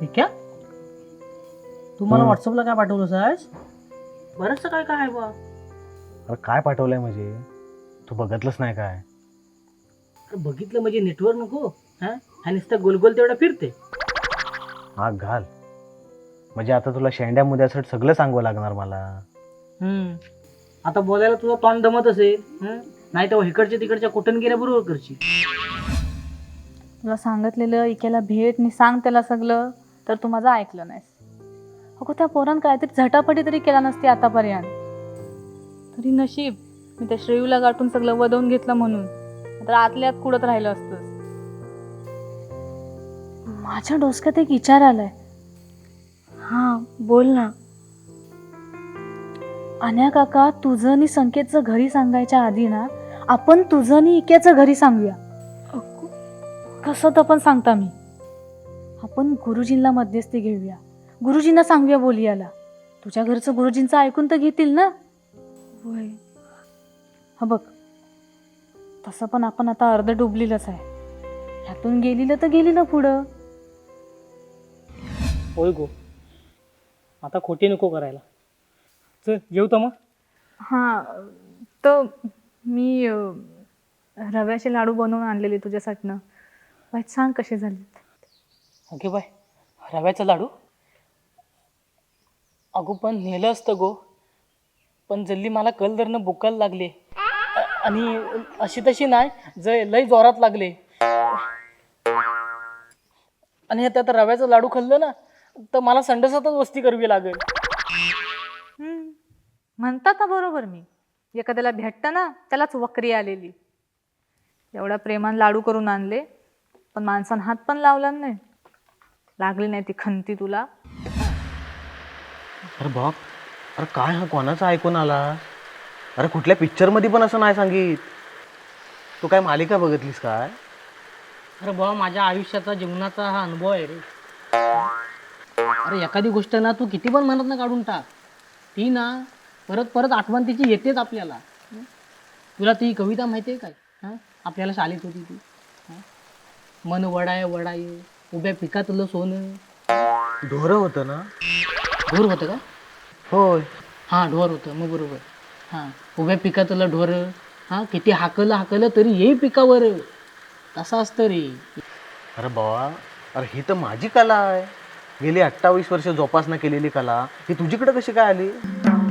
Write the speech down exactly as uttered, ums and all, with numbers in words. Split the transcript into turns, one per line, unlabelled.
क्या तू मला व्हॉट्सअपला काय पाठवलं सायस? बरंचसं काय काय आहे बा.
अरे काय पाठवलंय म्हणजे तू बघितलंच नाही काय?
अरे बघितलं म्हणजे नेटवर्क नको हा हा नुसतं गोलगोल तेवढा फिरते.
आग घाल म्हणजे आता तुला शेंड्या मुद्द्यासाठी सगळं सांगावं लागणार मला.
हम्म आता बोलायला तुझा तोंड दमत असेल नाही तर इकडच्या तिकडच्या कुठून बरोबर करशील.
तुला सांगितलेलं इकेला भेट आणि सांग त्याला सगळं, तर तू माझं ऐकलं नाहीस. अगो त्या पोरान काहीतरी झटापटी तरी केला नसती आतापर्यंत. तरी नशीब मी त्या श्रेयूला गाठून सगळं वदवून घेतलं म्हणून, तर आतल्यात कुडत राहिलं असतं. माझ्या डोसक्यात एक विचार आलाय. हा बोल ना. अन्या काका तुझं आणि संकेतचं घरी सांगायच्या आधी ना आपण तुझं आणि इक्याचं घरी सांगूया. कसं तर पण सांगता मी. आपण गुरुजींना मध्यस्थी घेऊया, गुरुजींना सांगूया बोलियाला. तुझ्या घरचं गुरुजींचं ऐकून तर घेतील ना. होय हा बघ तसं पण आपण आता अर्ध डुबलेलंच आहे. ह्यातून गेलेलं तर गेलेलं पुढं.
होय गो आता खोटी नको करायला. चल येऊ तर मग.
हां तर मी अं, रव्याचे लाडू बनवून आणलेले तुझ्यासाठीनं. वाईट सांग कसे झाले.
Okay bye. रव्याचा लाडू अगो पण नेलं असतं गो, पण जल्ली मला कल धरणं बुकायला लागले आणि अशी तशी नाही जय लय जोरात लागले. आणि त्यात रव्याचा लाडू खाल्लं ना तर मला संडासातच वस्ती करावी लागेल.
म्हणतात ना बरोबर मी. एखाद्याला भेटतं ना त्यालाच वक्री आलेली. एवढा प्रेमान लाडू करून आणले पण माणसानं हात पण लावला नाही. लागली नाही ती खंती तुला.
अरे बाप, अरे काय हा कोणाचा ऐकून आला? अरे कुठल्या पिक्चर मध्ये पण असं नाही सांगित. तू काय मालिका बघितलीस काय?
अरे बाबा माझ्या आयुष्याचा जीवनाचा हा अनुभव आहे रे. अरे एखादी गोष्ट ना तू किती पण मनात ना काढून टाक, ती ना परत परत आठवण तिची येतेच आपल्याला. तुला ती कविता माहिती आहे काय? हां आपल्याला शाळेत होती ती. मन वडाय वडाय उभ्या पिकातलं सोनं.
ढोरं होतं ना?
ढोर होतं का?
होय.
हां ढोर होतं मग बरोबर. हां उभ्या पिकातलं ढोर हां किती हाकलं हाकलं तरी येई पिकावर. तसं असतं रे.
अरे बाबा, अरे ही तर माझी कला आहे. गेली अठ्ठावीस वर्ष जोपासना केलेली कला ही तुझीकडे कशी काय आली?